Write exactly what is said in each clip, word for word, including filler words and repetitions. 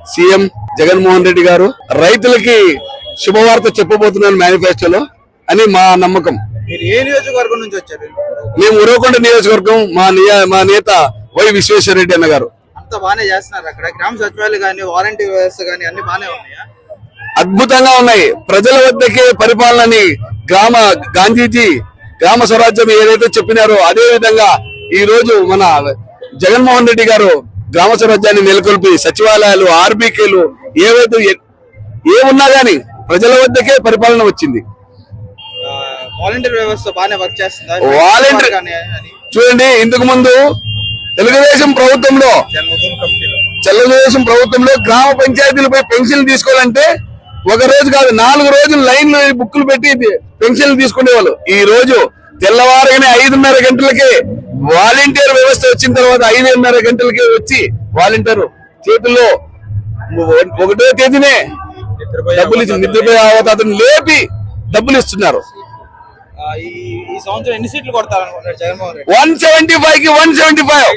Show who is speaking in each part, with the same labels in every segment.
Speaker 1: CM Jaganmohan Reddy గారు రైతులకి శుభవార్త చెప్పబోతున్నారు మేనిఫెస్టోలో అని మా నమ్మకం.
Speaker 2: మీరు ఏ నియోజకవర్గం నుంచి వచ్చారు?
Speaker 1: మేము ఉరవకొండ నియోజకవర్గం. మా మా నేత వై విశ్వేశ్వర రెడ్డి అన్న గారు.
Speaker 2: అంత బాగానే చేస్తున్నారు అక్కడ. గ్రామ సచివాలయాలు కానీ వాలంటీర్ వ్యవస్థ కానీ అన్ని బాగానే ఉన్నాయా?
Speaker 1: అద్భుతంగా ఉన్నాయి. ప్రజల వద్దకే పరిపాలనని గ్రామ గాంధీజీ గ్రామ స్వరాజ్యం ఏదైతే చెప్పినారో అదే విధంగా ఈ రోజు మన జగన్మోహన్ రెడ్డి గారు గ్రామ స్వరాజ్యాన్ని నెలకొల్పి సచివాలయాలు ఆర్బీకేలు ఏవైతే ఏమున్నా గానీ ప్రజల వద్దకే పరిపాలన వచ్చింది.
Speaker 2: వాలంటీర్ వ్యవస్థ బాగానే వర్క్ చేస్తుందా?
Speaker 1: వాలంటీర్ చూడండి, ఇంతకు ముందు తెలుగుదేశం ప్రభుత్వంలో తెలుగుదేశం ప్రభుత్వంలో గ్రామ పంచాయతీలపై పెన్షన్లు తీసుకోవాలంటే ఒక రోజు కాదు నాలుగు రోజులు లైన్లు బుక్కులు పెట్టి పెన్షన్లు తీసుకునేవాళ్ళు. ఈ రోజు తెల్లవారుగానే ఐదున్నర గంటలకే వాలంటీర్ వ్యవస్థ వచ్చిన తర్వాత ఐదున్నర గంటలకే వచ్చి వాలంటీర్ చేతుల్లో ఒకటో తేదీనే డబ్బులు ఇచ్చి నిద్రపోయే అవతాతను లేపి డబ్బులు ఇస్తున్నారు.
Speaker 2: ఈ సంవత్సరం ఎన్ని సీట్లు కొడతారనుకుంటారు Jaganmohan Reddy?
Speaker 1: One seventy five కి వన్ సెవెంటీ ఫైవ్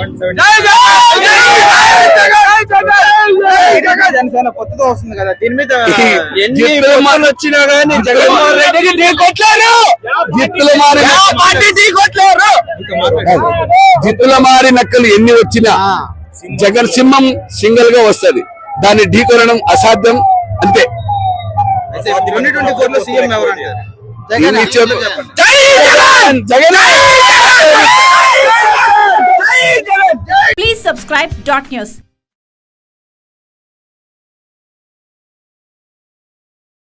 Speaker 2: జనసేన పొత్తుతో వస్తుంది కదా, దీని మీద
Speaker 1: ఎన్ని వచ్చినా గానీ జగన్మోహన్ రెడ్డికి ఢీ కొట్టలేరు. జిత్తుల మారి ఢీ కొట్టలేరు. జిత్తుల మారి నక్కలు ఎన్ని వచ్చినా జగన్ సింహం సింగిల్ గా వస్తది. దాన్ని ఢీ కొనడం అసాధ్యం. అంతే.
Speaker 2: ట్వంటీ ట్వంటీ ఫోర్ లో సీఎం ఎవరు అంటారు?
Speaker 1: Jagan. Jagan.
Speaker 3: Please subscribe dot news.